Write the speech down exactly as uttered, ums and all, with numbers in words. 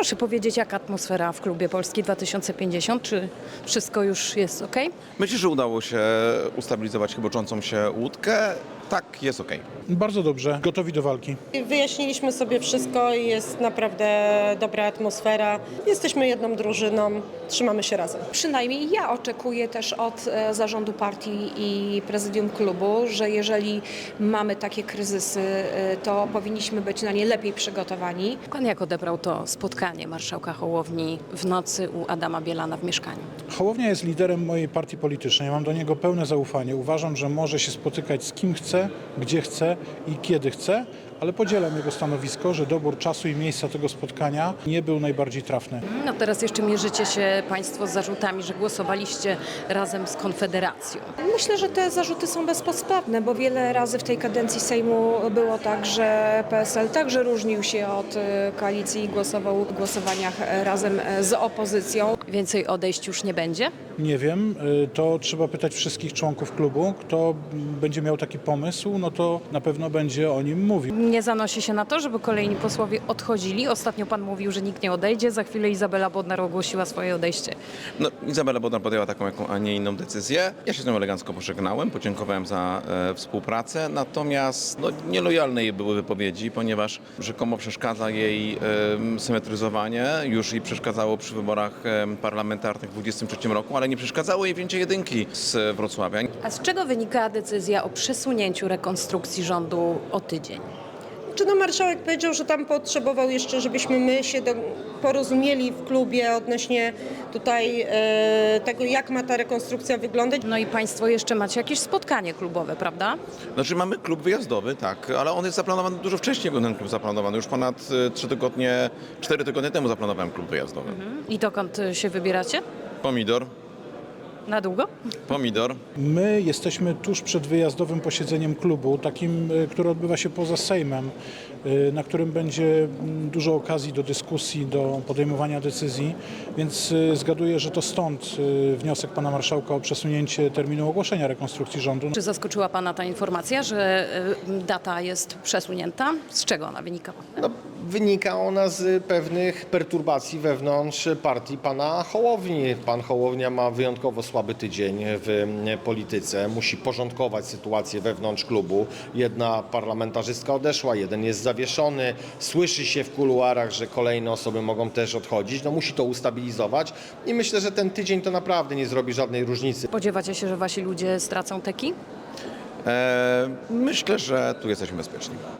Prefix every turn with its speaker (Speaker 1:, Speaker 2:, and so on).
Speaker 1: Proszę powiedzieć, jaka atmosfera w klubie Polski dwa tysiące pięćdziesiąt? Czy wszystko już jest ok?
Speaker 2: Myślę, że udało się ustabilizować chyboczącą się łódkę. Tak, jest okej.
Speaker 3: Bardzo dobrze, gotowi do walki.
Speaker 4: Wyjaśniliśmy sobie wszystko i jest naprawdę dobra atmosfera. Jesteśmy jedną drużyną, trzymamy się razem.
Speaker 5: Przynajmniej ja oczekuję też od e, zarządu partii i prezydium klubu, że jeżeli mamy takie kryzysy, e, to powinniśmy być na nie lepiej przygotowani.
Speaker 1: Pan jak odebrał to spotkanie marszałka Hołowni w nocy u Adama Bielana w mieszkaniu?
Speaker 3: Hołownia jest liderem mojej partii politycznej. Mam do niego pełne zaufanie. Uważam, że może się spotykać z kim chce, gdzie chce i kiedy chce, ale podzielam jego stanowisko, że dobór czasu i miejsca tego spotkania nie był najbardziej trafny.
Speaker 1: No teraz jeszcze mierzycie się Państwo z zarzutami, że głosowaliście razem z Konfederacją.
Speaker 5: Myślę, że te zarzuty są bezpodstawne, bo wiele razy w tej kadencji Sejmu było tak, że P S L także różnił się od e, koalicji i głosował w głosowaniach e, razem e, z opozycją.
Speaker 1: Więcej odejść już nie będzie?
Speaker 3: Nie wiem, y, to trzeba pytać wszystkich członków klubu. Kto będzie miał taki pomysł, no to na pewno będzie o nim mówił.
Speaker 1: Nie zanosi się na to, żeby kolejni posłowie odchodzili. Ostatnio pan mówił, że nikt nie odejdzie. Za chwilę Izabela Bodnar ogłosiła swoje odejście.
Speaker 2: No, Izabela Bodnar podjęła taką, jaką, a nie inną decyzję. Ja się z nią elegancko pożegnałem, podziękowałem za e, współpracę, natomiast no, nielojalne jej były wypowiedzi, ponieważ rzekomo przeszkadza jej e, symetryzowanie. Już jej przeszkadzało przy wyborach e, parlamentarnych w dwudziestym trzecim roku, ale nie przeszkadzało jej wzięcie jedynki z Wrocławia.
Speaker 1: A z czego wynika decyzja o przesunięciu rekonstrukcji rządu o tydzień?
Speaker 4: Czy no marszałek powiedział, że tam potrzebował jeszcze, żebyśmy my się do, porozumieli w klubie odnośnie tutaj e, tego, jak ma ta rekonstrukcja wyglądać.
Speaker 1: No i Państwo jeszcze macie jakieś spotkanie klubowe, prawda?
Speaker 2: Znaczy mamy klub wyjazdowy, tak, ale on jest zaplanowany dużo wcześniej, był ten klub zaplanowany. Już ponad e, trzy tygodnie, cztery tygodnie temu zaplanowałem klub wyjazdowy.
Speaker 1: I dokąd się wybieracie?
Speaker 2: Pomidor,
Speaker 1: Na długo?
Speaker 2: pomidor.
Speaker 3: My jesteśmy tuż przed wyjazdowym posiedzeniem klubu, takim, y, które odbywa się poza Sejmem, y, na którym będzie mm, dużo okazji do dyskusji, do podejmowania decyzji, więc y, zgaduję, że to stąd y, wniosek pana marszałka o przesunięcie terminu ogłoszenia rekonstrukcji rządu.
Speaker 1: Czy zaskoczyła Pana ta informacja, że y, data jest przesunięta? Z czego ona wynika?
Speaker 6: No, wynika ona z pewnych perturbacji wewnątrz partii pana Hołowni. Pan Hołownia ma wyjątkowo słaby tydzień w polityce. Musi porządkować sytuację wewnątrz klubu. Jedna parlamentarzystka odeszła, jeden jest zawieszony. Słyszy się w kuluarach, że kolejne osoby mogą też odchodzić. No, musi to ustabilizować i myślę, że ten tydzień to naprawdę nie zrobi żadnej różnicy.
Speaker 1: Spodziewacie się, że Wasi ludzie stracą teki?
Speaker 2: E, myślę, że tu jesteśmy bezpieczni.